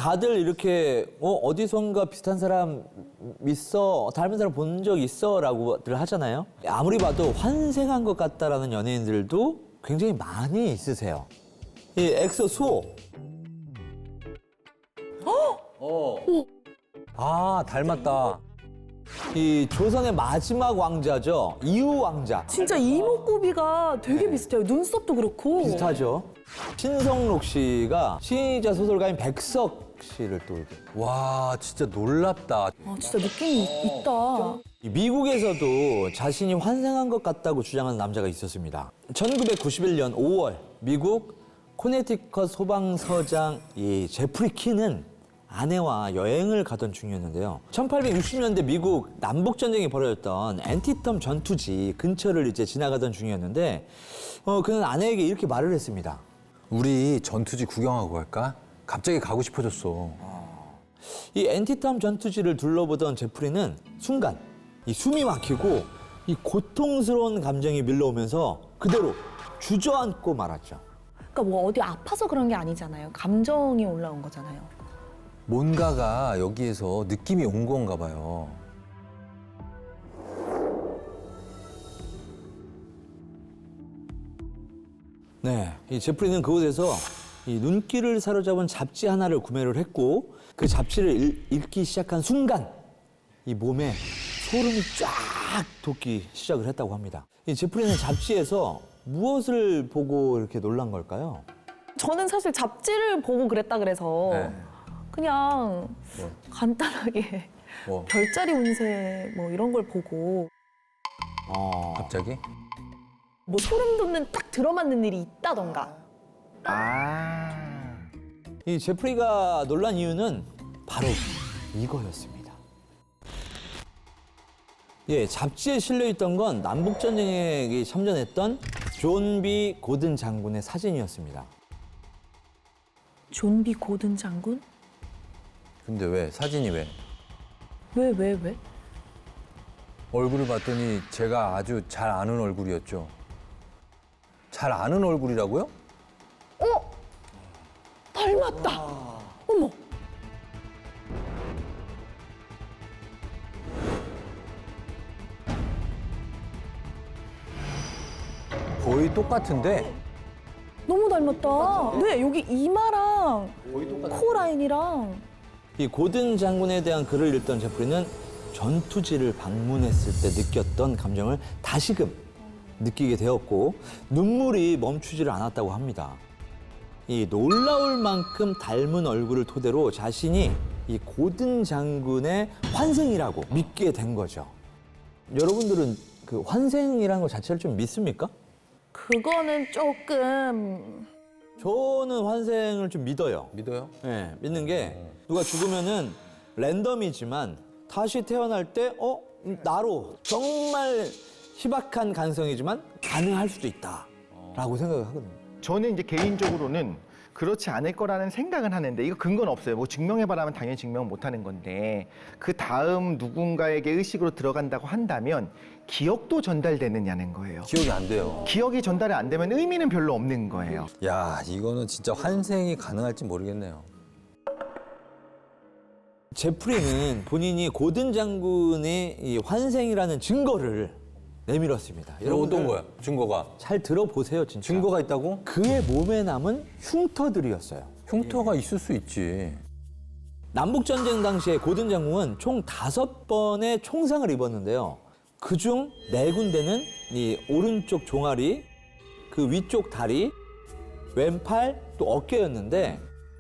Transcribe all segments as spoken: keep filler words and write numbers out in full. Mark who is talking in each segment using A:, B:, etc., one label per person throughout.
A: 다들 이렇게 어, 어디선가 비슷한 사람 있어, 닮은 사람 본 적 있어 라고들 하잖아요. 아무리 봐도 환생한 것 같다라는 연예인들도 굉장히 많이 있으세요. 이 엑소 수호.
B: 어. 아, 닮았다.
A: 이 조선의 마지막 왕자죠. 이후 왕자.
C: 진짜 이목구비가 되게 비슷해요. 눈썹도 그렇고.
A: 비슷하죠. 신성록 씨가 시인이자 소설가인 백석 씨를 또 이렇게.
B: 와, 진짜 놀랍다.
C: 아, 진짜 느낌이 있다.
A: 이 미국에서도 자신이 환생한 것 같다고 주장하는 남자가 있었습니다. 천구백구십일 년 오월 미국 코네티컷 소방서장 이 제프리 키는 아내와 여행을 가던 중이었는데요. 천팔백육십 년대 미국 남북전쟁이 벌어졌던 앤티텀 전투지 근처를 이제 지나가던 중이었는데 어, 그는 아내에게 이렇게 말을 했습니다.
B: 우리 전투지 구경하고 갈까? 갑자기 가고 싶어졌어.
A: 이 앤티텀 전투지를 둘러보던 제프리는 순간 이 숨이 막히고 이 고통스러운 감정이 밀려오면서 그대로 주저앉고 말았죠.
C: 그러니까 뭐 어디 아파서 그런 게 아니잖아요. 감정이 올라온 거잖아요.
B: 뭔가가 여기에서 느낌이 온 건가 봐요.
A: 네, 이 제프리는 그곳에서 이 눈길을 사로잡은 잡지 하나를 구매를 했고 그 잡지를 읽, 읽기 시작한 순간 이 몸에 소름이 쫙 돋기 시작을 했다고 합니다. 이 제프리는 잡지에서 무엇을 보고 이렇게 놀란 걸까요?
C: 저는 사실 잡지를 보고 그랬다 그래서
B: 네.
C: 그냥
B: 뭐?
C: 간단하게
B: 뭐,
C: 별자리 운세 뭐 이런 걸 보고
A: 어,
B: 갑자기?
C: 뭐 소름 돋는 딱 들어맞는 일이 있다던가.
A: 이 제프리가 놀란 이유는 바로 이거였습니다. 예, 잡지에 실려 있던 건 남북전쟁에 참전했던 존 비 고든 장군의 사진이었습니다.
C: 존 비 고든 장군?
B: 근데 왜? 사진이 왜?
C: 왜, 왜, 왜?
B: 얼굴을 봤더니 제가 아주 잘 아는 얼굴이었죠. 잘 아는 얼굴이라고요?
C: 어? 닮았다. 어머.
B: 거의 똑같은데?
C: 너무 닮았다. 네, 여기 이마랑 코 라인이랑.
A: 이 고든 장군에 대한 글을 읽던 제프리는 전투지를 방문했을 때 느꼈던 감정을 다시금 느끼게 되었고 눈물이 멈추지를 않았다고 합니다. 이 놀라울 만큼 닮은 얼굴을 토대로 자신이 이 고든 장군의 환생이라고 믿게 된 거죠. 여러분들은 그 환생이라는 것 자체를 좀 믿습니까?
C: 그거는 조금
A: 저는 환생을 좀 믿어요.
B: 믿어요?
A: 네, 믿는 게 누가 죽으면은 랜덤이지만 다시 태어날 때 어? 나로 정말 희박한 가능성이지만 가능할 수도 있다라고 생각을 하거든요.
D: 저는 이제 개인적으로는 그렇지 않을 거라는 생각은 하는데 이거 근거는 없어요. 뭐 증명해봐라면 당연히 증명 못하는 건데 그 다음 누군가에게 의식으로 들어간다고 한다면 기억도 전달되느냐는 거예요.
B: 기억이 안 돼요.
D: 기억이 전달이 안 되면 의미는 별로 없는 거예요.
B: 야, 이거는 진짜 환생이 가능할지 모르겠네요.
A: 제프리는 본인이 고든 장군의 이 환생이라는 증거를 내밀었습니다.
B: 이거 어떤 거야? 증거가?
A: 잘 들어보세요, 진짜.
B: 증거가 있다고?
A: 그의 몸에 남은 흉터들이었어요.
B: 흉터가 있을 수 있지.
A: 남북전쟁 당시에 고든 장군은 총 다섯 번의 총상을 입었는데요. 그중 네 군데는 이 오른쪽 종아리, 그 위쪽 다리, 왼팔, 또 어깨였는데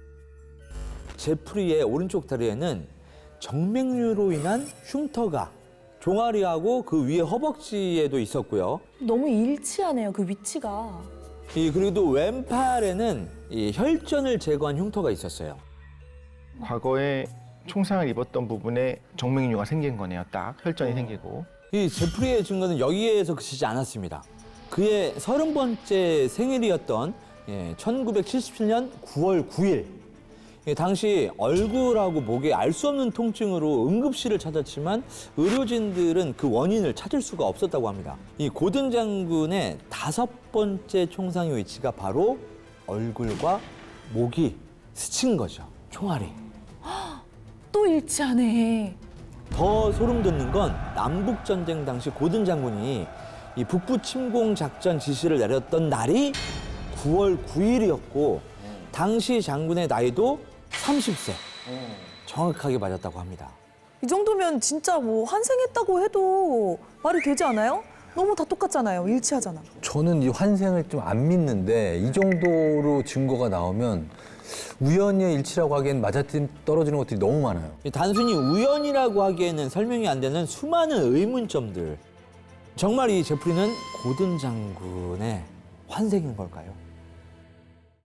A: 제프리의 오른쪽 다리에는 정맥류로 인한 흉터가 종아리하고 그 위에 허벅지에도 있었고요.
C: 너무 일치하네요, 그 위치가.
A: 이 그리고 왼팔에는 이 혈전을 제거한 흉터가 있었어요.
D: 과거에 총상을 입었던 부분에 정맥류가 생긴 거네요. 딱 혈전이 생기고.
A: 이 제프리의 증거는 여기에서 그치지 않았습니다. 그의 서른 번째 생일이었던 예, 천구백칠십칠 년 구월 구일. 예, 당시 얼굴하고 목에 알 수 없는 통증으로 응급실을 찾았지만 의료진들은 그 원인을 찾을 수가 없었다고 합니다. 이 고든 장군의 다섯 번째 총상의 위치가 바로 얼굴과 목이 스친 거죠. 총알이.
C: 또 일치하네.
A: 더 소름 돋는 건 남북 전쟁 당시 고든 장군이 이 북부 침공 작전 지시를 내렸던 날이 구월 구일이었고 당시 장군의 나이도 삼십 세. 정확하게 맞았다고 합니다.
E: 이 정도면 진짜 뭐 환생했다고 해도 말이 되지 않아요? 너무 다 똑같잖아요. 일치하잖아.
B: 저는 이 환생을 좀 안 믿는데 이 정도로 증거가 나오면 우연의 일치라고 하기엔 맞아떨어지는 것들이 너무 많아요.
A: 이 단순히 우연이라고 하기에는 설명이 안 되는 수많은 의문점들. 정말 이 제프리는 고든 장군의 환생인 걸까요?